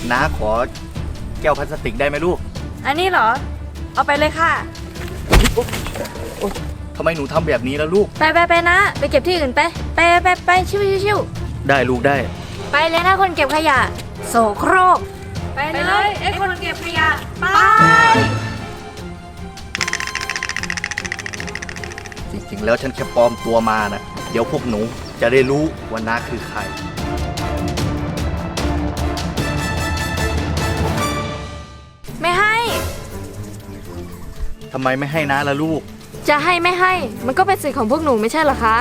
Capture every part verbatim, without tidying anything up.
น้าขอแก้วพลาสติกได้ไหมลูกอันนี้เหรอเอาไปเลยค่ะทำไมหนูทำแบบนี้แล้วลูกไปไปไปนะไปเก็บที่อื่นไปไปไปไปชิวชิวชิวได้ลูกได้ไปเลยนะคนเก็บขยะโสโครกไปเลยไอ้คนเก็บขยะไปจริงๆแล้วฉันแค่ปลอมตัวมานะเดี๋ยวพวกหนูจะได้รู้ว่าน้าคือใครไม่ให้ทำไมไม่ให้น้าล่ะลูกจะให้ไม่ให้มันก็เป็นสิทธิ์ของพวกหนูไม่ใช่เหรอคะ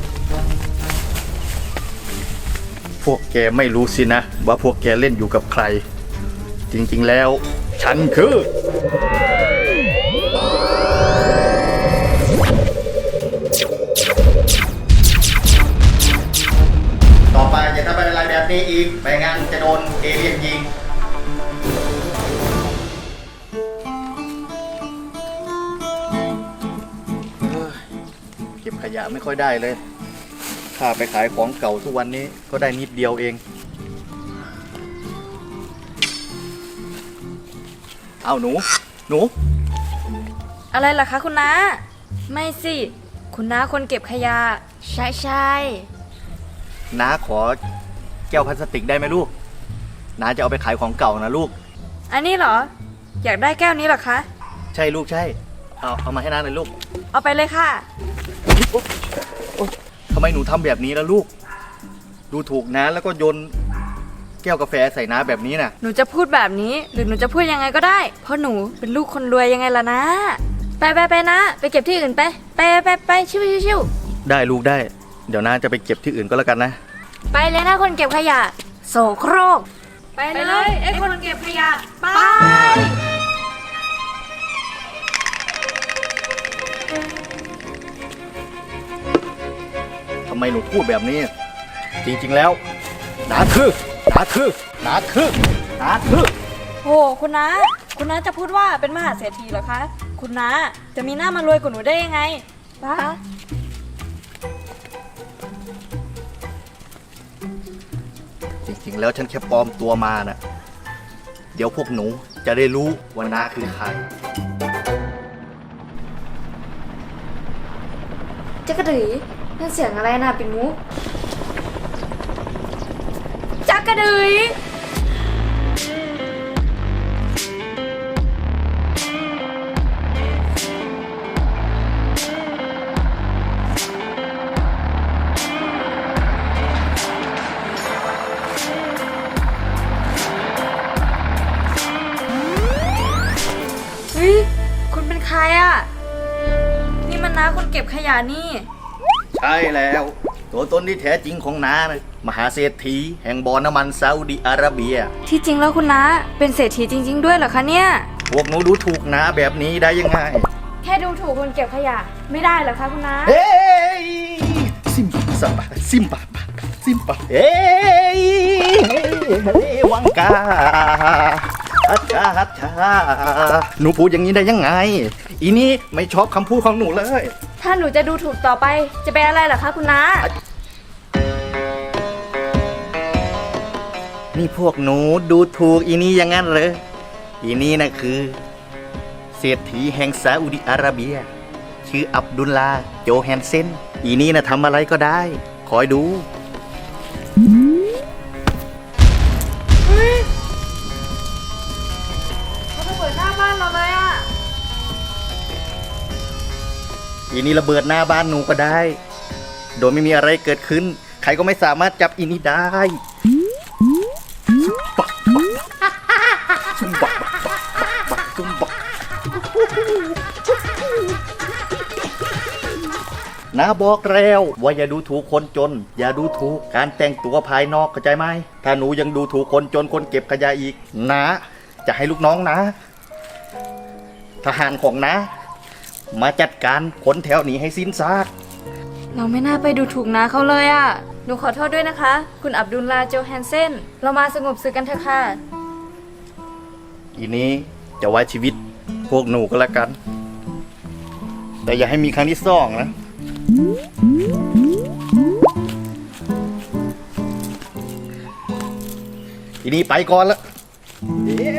พวกแกไม่รู้สินะว่าพวกแกเล่นอยู่กับใครจริงๆแล้วฉันคือต่อไปอย่าทำอะไรแบบนี้อีกไม่งั้นจะโดนเอเลี่ยนยิงเก็บขยะไม่ค่อยได้เลยข้าไปขายของเก่าทุกวันนี้ก็ได้นิดเดียวเองเอาหนูหนูอะไรล่ะคะคุณน้าไม่สิคุณน้าคนเก็บขยะใช่ใช่น้าขอแก้วพลาสติกได้ไหมลูกน้าจะเอาไปขายของเก่านะลูกอันนี้เหรออยากได้แก้วนี้เหรอคะใช่ลูกใช่เอาเอามาให้น้าหน่อยลูกเอาไปเลยค่ะทำไมหนูทำแบบนี้แล้วลูกดูถูกน้าแล้วก็โยนแก้วกาแฟใส่น้าแบบนี้น่ะหนูจะพูดแบบนี้หรือหนูจะพูดยังไงก็ได้เพราะหนูเป็นลูกคนรวยยังไงล่ะนะไปไปไปนะไปเก็บที่อื่นไปไปไปไปชิวชิวชิวได้ลูกได้เดี๋ยวน้าจะไปเก็บที่อื่นก็แล้วกันนะไปเลยนะคนเก็บขยะโสโครกไปเลยไอ้คนเก็บขยะไปทำไมหนูพูดแบบนี้จริงๆแล้วน้าคือน้าคือน้าคือน้าคือโอ้คุณน้าคุณน้าจะพูดว่าเป็นมหาเศรษฐีเหรอคะคุณน้าจะมีหน้ามารวยกว่าหนูได้ยังไงป้าจริงๆแล้วฉันแค่ปลอมตัวมานะเดี๋ยวพวกหนูจะได้รู้ว่าน้าคือใครจ๊กกะดือนั่นเสียงอะไรนะปิ่นมุกจ๊กกะดือเฮ้ยคุณเป็นใครอ่ะนี่มันน้าคนเก็บขยะนี่ใช่แล้วตัวตนที่แท้จริงของน้านะมหาเศรษฐีแห่งบ่อน้ำมันซาอุดิอาระเบียที่จริงแล้วคุณน้าเป็นเศรษฐีจริงๆด้วยเหรอคะเนี่ยพวกหนูดูถูกน้าแบบนี้ได้ยังไงแค่ดูถูกคนเก็บขยะไม่ได้เหรอคะคุณน้าเฮ้ยซิมซับซิมปะซิมปะเฮ้ยวังกาฮัจฉาฮัจฉาหนูพูดอย่างนี้ได้ยังไงอีนี่ไม่ชอบคำพูดของหนูเลยถ้าหนูจะดูถูกต่อไปจะเป็นอะไรเหรอคะคุณน้านี่พวกหนูดูถูกอีนี่อย่างนั้นเลยอีนี่นะคือเศรษฐีแห่งซาอุดิอาระเบียชื่ออับดุลลาโจแฮนเซนอีนี่นะทำอะไรก็ได้คอยดูอีนี่ระเบิดหน้าบ้านหนูก็ได้โดยไม่มีอะไรเกิดขึ้นใครก็ไม่สามารถจับอีนี่ได้บักบักซุ่มบักบักบักซุ่มบักน้าบอกแล้วว่าอย่าดูถูกคนจนอย่าดูถูกการแต่งตัวภายนอกเข้าใจไหมถ้าหนูยังดูถูกคนจนคนเก็บขยะอีกน้าจะให้ลูกน้องนะทหารของน้ามาจัดการคนแถวนี้ให้สิ้นซากเราไม่น่าไปดูถูกน้าเขาเลยอ่ะหนูขอโทษด้วยนะคะคุณอับดุลลาโจแฮนเซนเรามาสงบศึกกันเถอะค่ะอีนี้จะไว้ชีวิตพวกหนูก็แล้วกันแต่อย่าให้มีครั้งที่สองนะอีนี้ไปก่อนละเอ๊ะ